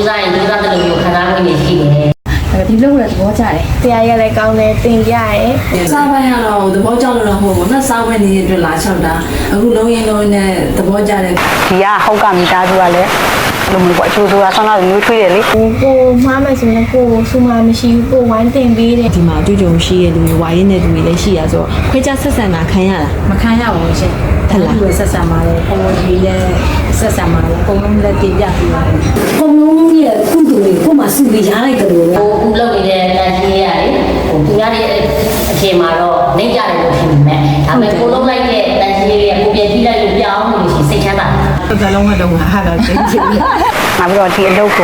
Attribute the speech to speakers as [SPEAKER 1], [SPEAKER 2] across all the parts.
[SPEAKER 1] စားရင်ကြိုးစားတဲ့လူမျိုးခံစားမှုတွေရှိတယ်
[SPEAKER 2] ဒီလိုလည်းသဘောကျတယ်။တရားရလည်းကောင်းတယ်တင်ပြရဲ
[SPEAKER 3] ။စားပိုင်းကတော့သဘောကျလို့တော့မဟုတ်ဘူး။နှစ်စားပိုင်းနေတဲ့အတွက်လာချောက်တာ။အခုလုံးရင်လုံးနဲ့သဘောကျတယ်
[SPEAKER 4] ။ဒီကဟောက်ကမိသားစုကလည်းလိုမျိုးပေါ့အကျိုးဆိုတာဆောင်းလာမျိုးထွေးတယ်လေ
[SPEAKER 2] ။ကိုမှားမယ်ဆိုရင်ကိုစူမမရှိဘူးကိုဝိုင်းတင်ပေးတယ်
[SPEAKER 5] ဒီမှာအတွေ့အကြုံရှိရတဲ့လူဝါရင်းတဲ့လူတွေလည်းရှိရဆိုတော့ခွဲခြားဆက်ဆံတာခံရလား
[SPEAKER 3] မခံရပါဘူးရှင်
[SPEAKER 5] ။ဟုတ်လား
[SPEAKER 3] ။ဆက်ဆံပါလေ။ပုံဒီလည်းဆက်ဆံပါလေ။ပုံလုံးလည်းတင်ပြပြီးပါလေ
[SPEAKER 6] ။ပုံလုံးရဲ့ကုသိုလ်တွေကိုမှစုပြီးရလိုက်တယ်လို့ပဲ
[SPEAKER 1] ဟိုအခုလုပ်နေတဲ့တန်ကြီးရတယ်ဟိုသူများတွေအချိန်မှာတော့နေကြတယ်လို့ထင်ပေမဲ့ဒါပေမဲ့ကိုလုံးလိုက်တဲ့တန်ကြီးတွေကကိုပြင်ကြည့်လိုက်လို့ပြောင်းလို့ရှိစိတ်ချမ်းသာ
[SPEAKER 3] တယ်။စလုံးကတော့ဟာတော့သိချင်တယ်
[SPEAKER 4] ။နောက်ပြီးတော့ဒီအလုပ်ကို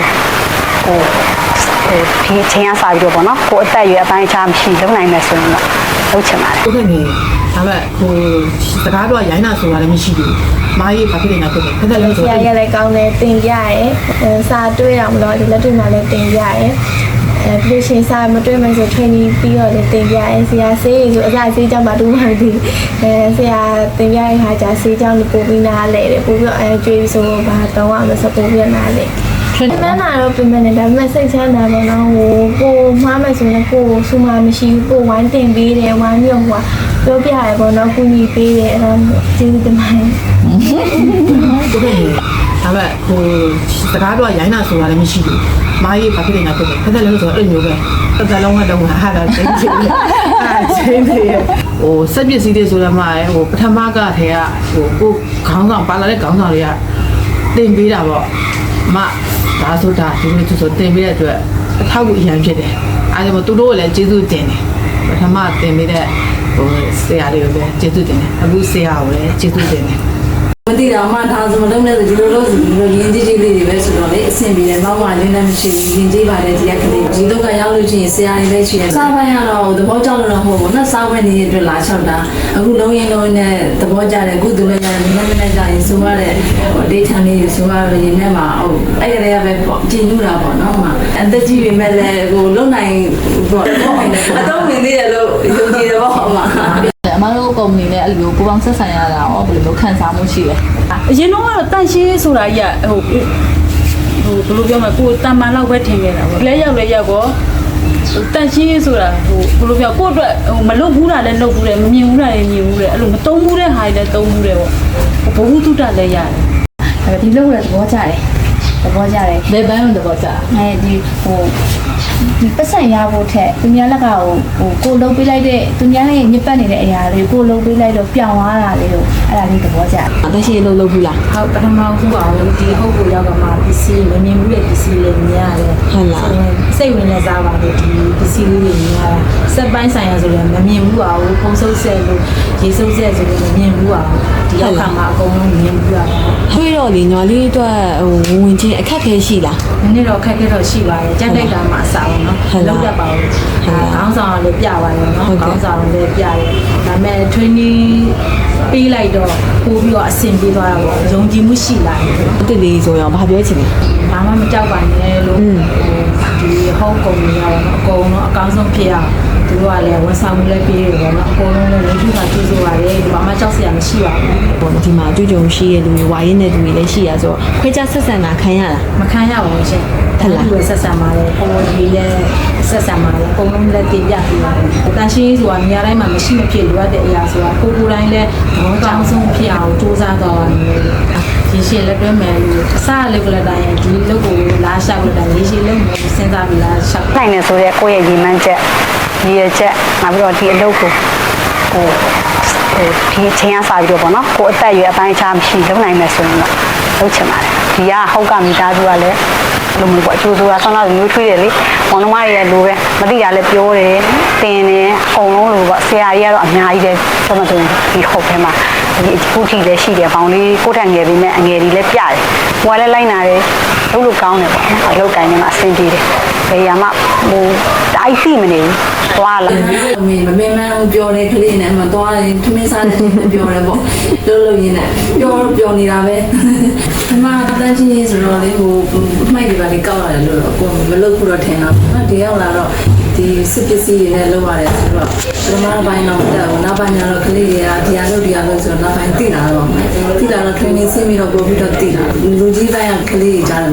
[SPEAKER 4] ဒီချင်းအစားပြီးတော့ပေါ့နော်ကိုအသက်အရွယ်အပိုင်းအခြားမရှိလုံးနိုင်မယ်ဆိုရင်တော့လုပ်ချင်ပါတယ်
[SPEAKER 3] ။ဟုတ်ကဲ့နေဒါပေမဲ့ဟိုစကားတော့ရိုင်းတာဆိုတာလည်းမရှိဘူး။မားကြီးဘာဖြစ်နေလဲဖြစ်တယ်။ခက်ခက်လေးဆို
[SPEAKER 2] တရားရလည်းကောင်းတယ်တင်ပြရဲစာတွေ့အောင်လို့ဒီလက်တွေ့မှာလည်းတင်ပြရဲပြီးရှင်စာမတွေ့မှဆို training ပြီးတော့လည်းတင်ပြရဲဆရာဆေးဆိုအစားဆေးကြောင့်မတူမှဒီဆရာတင်ပြရဲဟာကြာဆေးကြောင့်ပို့ပြီးနားလဲတယ်ပို့ပြီးတော့ကျွေးဆိုဘာတော့အောင်ဆိုပို့ပြီးနားလဲပြန်လာတော့ပြင်မယ်ဒါပေမဲ့စိတ်ချမ်းသာပါတော့ဟိုကိုမှားမယ်ဆိုရင်ကိုစူမမရှိဘူးကိုဝိုင်းတင်ပေးတယ်ဝိုင်းမြုံဟိုပြောပြရဲပေါ့နော်ကုညီပေးတယ်အဲ့တော့ကျေးဇူးတင်ပါတယ်
[SPEAKER 3] ဟုတ်ကဲ့ဒါပေမဲ့ဟိုစကားတော့ရိုင်းတာဆိုတာလည်းမရှိဘူးမားကြီးဘာဖြစ်နေလဲဖြစ်တယ်ခက်ခက်လေးဆိုတော့အဲ့လိုမျိုးပဲစလုံးကတော့ဟာတော့သိချင်တယ်အဲ့ချင်းတွေဟိုစက်ပစ္စည်းတွေဆိုတော့မှဟိုပထမကထဲကဟိုကိုခေါင်းဆောင်ပါလာတဲ့ခေါင်းဆောင်တွေကတင်ပေးတာပေါ့မဒါဆိုတာဒီလိုဆိုတင်ပေးတဲ့အတွက်အထောက်အကူအရင်ဖြစ်တယ်အဲဒါကြောင့်သူတို့ကလည်းကျေးဇူးတင်တယ်ပထမတင်ပေးတဲ့ဟိုဆရာလေးကိုလည်းကျေးဇူးတင်တယ်အခုဆရာကိုလည်းကျေးဇူးတင်တယ်မသိတာမှဒါဆိုမလုံးနဲ့ဒီလိုလို့ဒီလိုရင်းကြီးကြီးလေးတွေပဲဆိုတော့လေအဆင်ပြေတယ်နောက်မှလင်းလည်းမရှိဘူးရင်းကြီးပါတယ်ဒီကကလေးဒီတော့ကရောက်လို့ရှိရင်ဆရာကြီးလည်းရှိတယ်စားပိုင်းကတော့သဘောကျလို့တော့မဟုတ်ဘူးနှစ်စားပိုင်းနေတဲ့အတွက်လာချောက်တာအခုလုံးရင်လုံးနဲ့သဘောကျတယ်အခုသူလည်းရတယ်မနေ့ကကြာရင်ဆိုရတဲ့ဒေးထန်လေးဆိုရတော့ရင်းနဲ့မှာဟုတ်အဲ့ကလေးကပဲကျင်းညူတာပေါ့နော်မှအသက်ကြီးပြီမဲ့လည်းဟိုလုံနိုင်ပေါ့အတော့ဝင်သေးတယ်လို့ယုံကြည်တယ်ပေါ့အမ
[SPEAKER 5] အမတို့ကုမ္ပဏီနဲ့အဲ့လိုပူပေါင်းဆက်ဆံရတာရောဘယ်လိုခံစားမှုရှိလဲ
[SPEAKER 7] အရင်တော့တန့်ရှင်းဆိုတာကြီးကဟိုဘယ်လိုပြောမလဲကိုတန်မာလောက်ပဲထင်ခဲ့တာပေါ့လဲရောက်တော့တန့်ရှင်းဆိုတာဟိုဘယ်လိုပြောကိုအတွက်ဟိုမလုပ်ဘူးတာလည်းလုပ်ဘူးတယ်မမြင်ဘူးတာလည်းမြင်ဘူးတယ်အဲ့လိုမသုံးဘူးတဲ့ဟာတွေလည်းသုံးဘူးတယ်ပေါ့ဘဝတုတ္တလည်းရတယ်
[SPEAKER 2] ဒီလိုလည်းသဘောကျတယ်သဘောကျတယ်
[SPEAKER 5] ဘယ်ဘန်းလို့သဘောကျ
[SPEAKER 2] ဒီဟိုဒီပတ်စံရဖို့ထက်သူများလက်ကကိုလုံးပေးလိုက်တဲ့သူများရဲ့ညစ်ပတ်နေတဲ့အရာလေးကိုလုံးပေးလိုက်တော့ပြောင်းသွားတာလေးကိုအဲ့ဒါလေးသဘောကျတယ်
[SPEAKER 5] အသက်ရှင်လို့လုပ်ဘူးလား
[SPEAKER 3] ဟုတ်ပထမဆုံးပါအောင်ဒီဟုတ်ကိုရောက်ကမှပစ္စည်းမမြင်ဘူးတဲ့ပစ္စည်းလေးမြင်ရတယ်
[SPEAKER 5] ဟုတ်လား
[SPEAKER 3] စိတ်ဝင်နေစားပါလေဒီပစ္စည်းလေးတွေမြင်ရတာစက်ပိုင်းဆိုင်ရာဆိုလည်းမမြင်ဘူးပါဘူးပုံစုပ်ဆက်လို့ရေစုပ်ဆက်ဆိုလည်းမမြင်ဘူးပါဘူးဒီရောက်ခါမှာအကုန်လုံးမြင်ဘူးပါ
[SPEAKER 5] ထွေးတော့လေညီလေးအတွက်ဟိုဝင်ချင်းအခက်ခဲရှိလား
[SPEAKER 3] နည်းနည်းတော့ခက်ခဲတော့ရှိပါတယ်ကြက်တိုက်တာမှအစားအောင်နော်လောက်တတ်ပါဘူးခေါင်းဆောင်လည်းပြပါတယ်နော်ခေါင်းဆောင်လည်းပြတယ်ဒါပေမဲ့ training ပေးလိုက်တော့ပို့ပြီးတော့အဆင်ပြေသွားတာပေါ့ယုံကြည်မှုရှိလာတယ်
[SPEAKER 5] အစ်လေးဆိုရင်ဘာပြောချင်လဲ
[SPEAKER 3] ဘာမှမကြောက်ပါနဲ့လို့ဒီဟောကုမ္ပဏီရောနော်အကုန်လုံးအကောင်းဆုံးဖြစ်အောင်သူတို့ကလည်းဝန်ဆောင်မှုလည်းပေးတယ်ပေါ့နော်အကုန်လုံးလည်းလူထုကကျေးဇူးပါတယ်ဒီဘာမှကြောက်စရာမရှိပါဘူး
[SPEAKER 5] ဒီမှာအတွေ့အကြုံရှိရတဲ့လူဝါရင်းတဲ့လူတွေလည်းရှိရဆိုတော့ခွဲခြားဆက်ဆံတာခံရလား
[SPEAKER 3] မခံရပါဘူးရှင်
[SPEAKER 5] ဟုတ်လား
[SPEAKER 3] ဒီဆက်ဆံပါတယ်ပုံဒီလည်းဆက်ဆံပါတယ်ပုံလုံးလည်းတင်ပြပေးပါတယ်တန်ရှင်းဆိုတာနေရာတိုင်းမှာမရှိမဖြစ်လိုအပ်တဲ့အရာဆိုတာကိုယ်တိုင်းလည်းဘောကောင်းဆုံးဖြစ်အောင်စူးစမ်းသွားပါမယ်ဒီရှင်းလက်တွဲမယ်လို့အစားလေးကလည်းတိုင်းဒီလုပ်ကိုလာရှောက်လို့တိုင်းရေးရှင်းလုပ်မယ်စဉ်းစားပြီးလာရှောက်
[SPEAKER 4] နိုင်နေဆိုတဲ့ကိုယ့်ရဲ့ရည်မှန်းချက်ရည်ရချက်နောက်ပြီးတော့ဒီအလုပ်ကိုဒီချင်းအစားပြီးတော့ပေါ့နော်ကိုအသက်အရွယ်အပိုင်းအခြားမရှိလုံးနိုင်မယ်ဆိုရင်တော့လုပ်ချင်ပါတယ်ဒီကဟောက်ကမိသားစုကလည်းလိုမျိုးပေါ့အကျိုးဆိုတာဆောင်းလာမျိုးထွေးတယ်လေမောင်နှမတွေရဲ့လိုပဲမသိတာလည်းပြောတယ်တင်တယ်အကုန်လုံးလိုပေါ့ဆရာကြီးကတော့အများကြီးတယ်ကျွန်တော်တို့ဒီဟုတ်ထဲမှာဒီအခုထိလည်းရှိတယ်ဘောင်လေးကိုထက်ငယ်ပြီးနဲ့အငယ်ကြီးလည်းပြတယ်ဟိုကလည်းလိုက်နာတယ်လုပ်လို့ကောင်းတယ်ပေါ့နော်အလုပ်ကိုင်းနေမှာအဆင်ပြေတယ်ဘယ်ရမှာဟိုတိုက်စီမနေဘူးသွားလာ
[SPEAKER 3] မင်းမင်းပြောတဲ့ကလေးနဲ့မသွားရင်ထမင်းစားတဲ့ပြောတယ်ပေါ့လို့ရင်းနဲ့ပြောနေတာပဲဒီမှာတန်းချင်းရေးဆိုတော့လေဟိုမိုက်တွေပါလေကောက်ရတယ်လို့တော့ကိုမလုပ်ဘူးတော့ထင်တာပေါ့ဒီရောက်လာတော့ဒီစစ်ပစ္စည်းတွေနဲ့လုပ်ရတယ်ဆိုတော့ပထမပိုင်းတော့တက်ဘူးနောက်ပိုင်းကျတော့ကလေးတွေကဒီအလုပ်ဆိုတော့နောက်ပိုင်းသိလာတော့မယ်သိလာတော့ training ဆင်းပြီးတော့ပို့ပြီးတော့သိလာလူကြီးပိုင်းကကလေးတွေကြားတယ်မှာ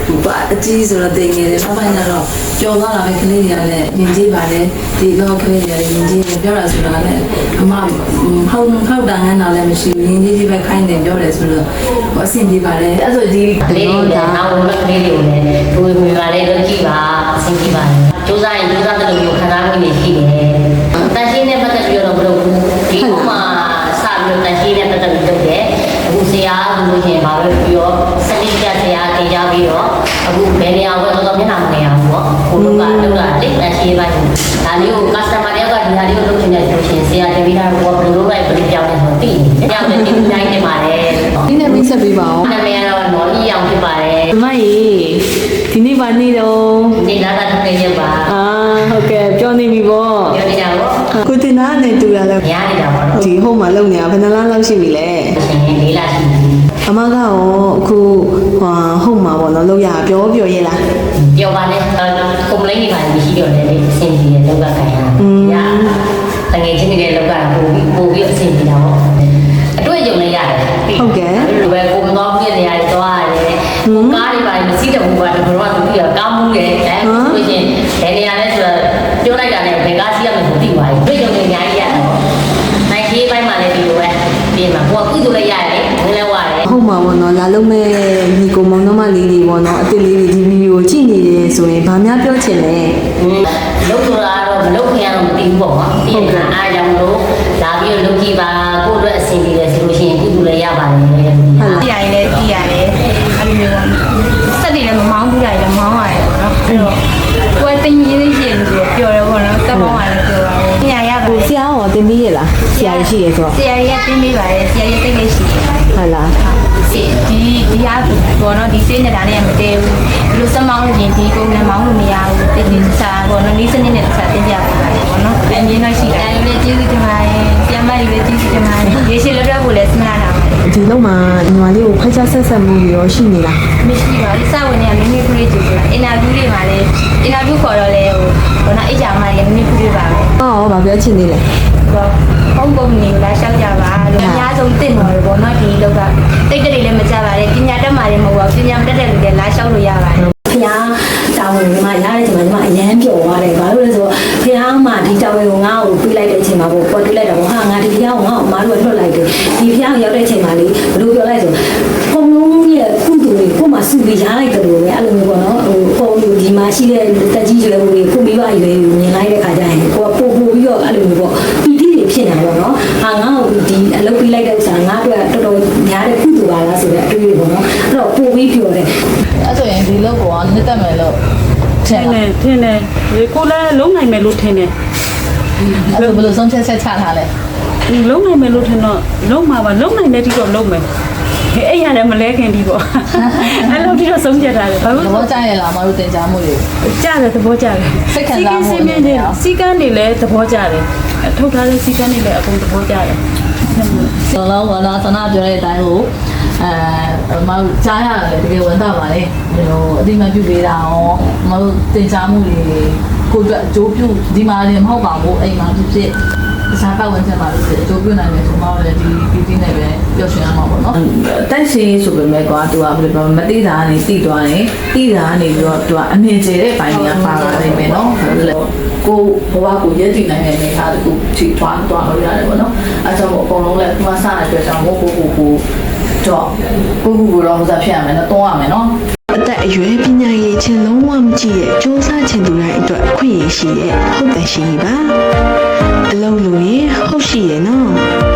[SPEAKER 5] အကြီးဆိုတော့တင်နေတယ်ဖဖိုင်ကတော့ကြော်သွားတာပဲကလေးတွေကလည်းမြင်ကြည့်ပါလေဒီတော့ကလေးတွေကလည်းမြင်ကြည့်တယ်ပြောတာဆိုတာလည်းအမဟုတ်တာငန်းတော့လည်းမရှိဘူးမြင်ကြည့်ပဲခိုင်းတယ်ပြောတယ်ဆိုတော့အဆင်ပြေပါလေအဲ့ဆိုဒီ
[SPEAKER 1] ကလေးတွေလည်းနောက်ဝင်ကလေးတွေကိုလည်းသူ့မိပါလေလုပ်ကြည့်ပါအဆင်ပြေပါတယ်စူးစမ်းရင်စူးစမ်းတဲ့လိုမျိုးခံစားမှုတွေရှိတယ်တန်ရှင်းနဲ့ပတ်သက်ပြီးတော့မလုပ်ဘူးဒီဥမာစပြီးတော့တန်ရှင်းနဲ့ပတ်သက်ပြီးလုပ်တယ်အခုဆရာကလို့ရှိရင်ဘာပဲပြီးတော့စနစ်ကျဆရာတင်ကြပြီးတော့အခုဘယ်နေရာကိုတော့မျက်နှာမနေရဘူးပေါ့ကိုတို့ကလုပ်တာလေတန်ရှင်းပိုင်းဒါလေးကို customer တယောက်ကဒီဟာလေးကိုလုပ်ချင်တယ်ဆိုရှင်ဆရာတင်ပြီးတာကိုဘယ်လိုပဲပြင်ပြောင်းနေဆိုသိနေပြောင်းနေဒီတိုင်းနေပါတယ်
[SPEAKER 5] ဒီနေ့မိတ်ဆက်ပေးပါအောင်
[SPEAKER 1] နာမည်ကတော့နော်ကြီးအောင်ဖြစ်ပါတယ်
[SPEAKER 5] မရေဒီနေ့ပါနေတော့
[SPEAKER 1] ဒီလာတာတစ်နေ့ပါ
[SPEAKER 5] အာဟုတ်ကဲ့ပြောနေပြီပေါ့
[SPEAKER 1] ပြောနေကြတော့
[SPEAKER 5] ကိုတင်သားနဲ့တူရလဲ
[SPEAKER 1] ညားနေတာပေါ့နော်
[SPEAKER 5] ဒီဟုတ်မှာလုံနေတာဘယ်နှလားလောက်ရှိပြီလဲ
[SPEAKER 1] ရှင်လေးလာရှိ
[SPEAKER 5] အမကရောအခုဟုတ်မှာပေါ့နော်လောက်ရပြောရဲလား
[SPEAKER 1] ပြောပါနဲ့ကွန်ပလိန်းတွေပါမရှိတော့တယ်လေအဆင်ပြေတယ်လောက်ကခိုင်တာညာတကယ်ချင်းတွေလောက်ကပို့ပြီးအဆင်ပြေတာပေါ့အတွေ့အကြုံလည်းရတယ်ဟုတ်ကဲ့ဘယ်ကိုမတော်ပြည့်နေရတယ်သွားရတယ်ကားတွေပါမရှိတဲ့ဘူးကတော့တော့သူကကားမှုတယ်အဲဆိုရင်ဘယ်နေရာလဲဆိုတော့ပြောလိုက်တာနဲ့ဘယ်ကားစီးရမယ်မသိပါဘူးတွေ့ကြုံနေအများကြီးရတယ်ပေါ့နိုင်ကြီးပိုင်းမှာလည်းဒီလိုပဲပြင်မှာကိုကကုသိုလ်လည်းရတယ်ငင်းလည်းဝရတယ်
[SPEAKER 5] ဟုတ်မှာပေါ့နော်လာလုံးမဲ့ညီကိုမောင်နှမလေးတွေပေါ့နော်အစ်စ်လေးတွေဒီဗီဒီယိုကြည့်နေတယ်ဆိုရင်ဗာများပြောချင်လဲ
[SPEAKER 1] လုပ်ဆိုတာတော့မလုပ်ခင်ကတော့မသိဘူးပေါ့နော်ပြင်မှာအားကြောင့်လို့လာပြီးတော့လုပ်ကြည့်ပါကိုယ့်အတွက်အဆင်ပြေတယ်ဆိုလို့ရှိရင်ကုသိုလ်လည်းရပါတယ်ဟုတ်
[SPEAKER 2] ကြည့်ရရင်လည်းကြည့်ရတယ်အဲ့လိုမျိုးစက်တွေလည်းမမောင်းဘူးလားလည်းမောင်းရတယ်ပေါ့နော်အဲ့တော့ကိုယ်တင်ရင်းရှိရင်ဆိုပြောတယ်ပေါ့နော်တက်ပေါင်းရတယ်ပြောတာပေါ့ညာရပါ
[SPEAKER 5] ကိုဆရာရောတင်ပြီးရလားဆရာရှိရဆိုတော့
[SPEAKER 2] ဆရာကြီးကတင်းပေးပါတယ်ဆရာကြီးတိတ်လေးရှိတယ်
[SPEAKER 5] ဟုတ်လား
[SPEAKER 2] ဒီအားပေါ့နော်ဒီစိတ်နဲ့ဒါနဲ့မတည့်ဘူးဒီလိုစမောင်းလို့ရင်ဒီပုံနဲ့မောင်းလို့မရဘူးတိတ်တိတ်စားပေါ့နော်လေးစနစ်နဲ့တစ်ချက်တင်ပြပါမယ်ပေါ့နော်အမြင်တော့ရှိတယ်လည်းကျေးဇူးတင်ပါတယ်ဆရာမကြီးလည်းကျေးဇူးတင်ပါတယ်ရေရှည်လက်တော့ကိုလည်းစမလာတာပါ
[SPEAKER 5] ဒီလုံးမှာညီမလေးကိုခိုက်ချဆက်ဆက်မှုရောရှိနေလား
[SPEAKER 2] မရှိပါဘူးစဝင်နေကမိမိခလေးကြည့်ဆိုတာအင်တာဗျူးတွေမှာလည်းအင်တာဗျူးခေါ်တော့လေဟိုဘောနော်အိတ်ချာမလည်းမိမိခလေးပါပဲ
[SPEAKER 5] ဟောဗာပြောချင်နေလဲ
[SPEAKER 2] ဟုတ်ပုံနေလာရှောက်ကြပါလို့အများဆုံးတင့်တော်တယ်ပေါ့နော်ဒီလောက်ကတိတ်တိတ်လည်းမကြပါနဲ့ပညာတတ်မှလည်းမဟုတ်ပါဘူးပညာမတတ်တဲ့လူလည်းလာရှောက်လို့ရပါတယ်
[SPEAKER 6] ဖះတာဝန်ကမှရတဲ့အချိန်မှာအရန်ပျော်သွားတယ်ဘာလို့လဲဆိုတော့ဖះမှဒီတာဝန်ကိုငါ့ကိုပြလိုက်တဲ့အချိန်မှာပေါ့ပေါ်ပြလိုက်တာပေါ့ဟာငါဒီဖះကိုငါ့ကိုမအားလို့လွတ်လိုက်တယ်ဒီဖះကိုရောက်တဲ့အချိန်မှာလေဘယ်လိုပြောလိုက်ဆိုပုံလုံးရဲ့ကုသိုလ်တွေကိုမှစုပြီးရလိုက်တယ်လို့ပဲအဲ့လိုမျိုးပေါ့နော်ဟိုပုံလို့ဒီမှာရှိတဲ့တက်ကြီးရွယ်ဦးတွေကိုမိဘရွယ်ကိုမြင်လိုက်တဲ့ခါကျရင်ကိုကပို့ပြီးတော့အဲ့လိုမျိုးပေါ့ပီတိတွေဖြစ်နေတာပေါ့နော်ဟာငါ့ကိုဒီအလုပ်ပြလိုက်တဲ့ဥစ္စာငါ့အတွက်တော်တော်များတဲ့ကုသိုလ်ပါလားဆိုတဲ့အတွေ့အကြုံပေါ့နော်အဲ့တော့ပို့ပြီးပြောတယ်
[SPEAKER 5] အဲ့ဆိုရင်ဒီလောက်ကိုနှစ်သက်မယ်လို့
[SPEAKER 7] ထင်တယ်ဒီကိုလည်းလုံးနိုင်မယ်လို့ထင်တယ်
[SPEAKER 5] အဲ့လိုဘယ်လိုဆုံးဖြတ်ချက်ချထားလဲ
[SPEAKER 7] လုံးနိုင်မယ်လို့ထင်တော့လုံးမှာပါလုံးနိုင်တဲ့တိတော့လုံးမယ်အဲ့ရတယ်မလဲခင်ဒီပေါ့အဲ့လိုတိတော့ဆုံးဖြတ်ထားတယ်ဘာလို့
[SPEAKER 5] သဘောကျရလားမတို့တင်ကြမှုတွေ
[SPEAKER 7] ကြားတယ်သဘောကျတယ်စီကန်းတွေလည်းသဘောကျတယ်ထုတ်ထားတဲ့စီကန်းတွေလည်းအကုန်သဘောကျတယ်
[SPEAKER 5] ဆိုတော့ဘာသာဆန္ဒပြောတဲ့အတိုင်းကိုမတို့ကြားရတယ်တကယ်ဝန်တာပါလေဟိုအတိမပြုပေးတာရောမတို့တင်ကြမှုတွေကိုအတွက်အကျိုးပြုဒီမှာလည်းမဟုတ်ပါဘူးအိမ်မှာဖြစ်ဖြစ်တခြားပတ်ဝန်းကျင်မှာလည်းအကျိုးပြုနိုင်တယ်ဆိုမှလည်းဒီပီတိနဲ့ပဲပျော်ရွှင်ရမှာပေါ့နော်တိုက်စီဆိုပေမဲ့ကွာသူကဘယ်လိုပြောမသိတာကနေသိသွားတယ်သိတာကနေပြီးတော့သူကအမြင်ကျတဲ့ပိုင်းကပါလာနိုင်မယ်နော်ကိုဘဝကိုရည်တည်နိုင်တဲ့နေရာတခုထိသွားလို့ရတယ်ပေါ့နော်အဲကြောင့်အကုန်လုံးလည်းသူကစတဲ့အတွက်ကြောင့်ကိုတော့ကိုတော့ဟိုစားဖြစ်ရမယ်နော်တွန်းရမယ်နော်
[SPEAKER 8] အသက်အရွယ်ပညာရည်ချင်းလုံးဝမကြည့်ရဲ့စူးစမ်းချင်သူတိုင်းအတွက်အခွင့်အရေးရှိရဲ့ဟုတ်တယ်ရှိပါအလုံးလို့ရင်ဟုတ်ရှိရဲ့နော်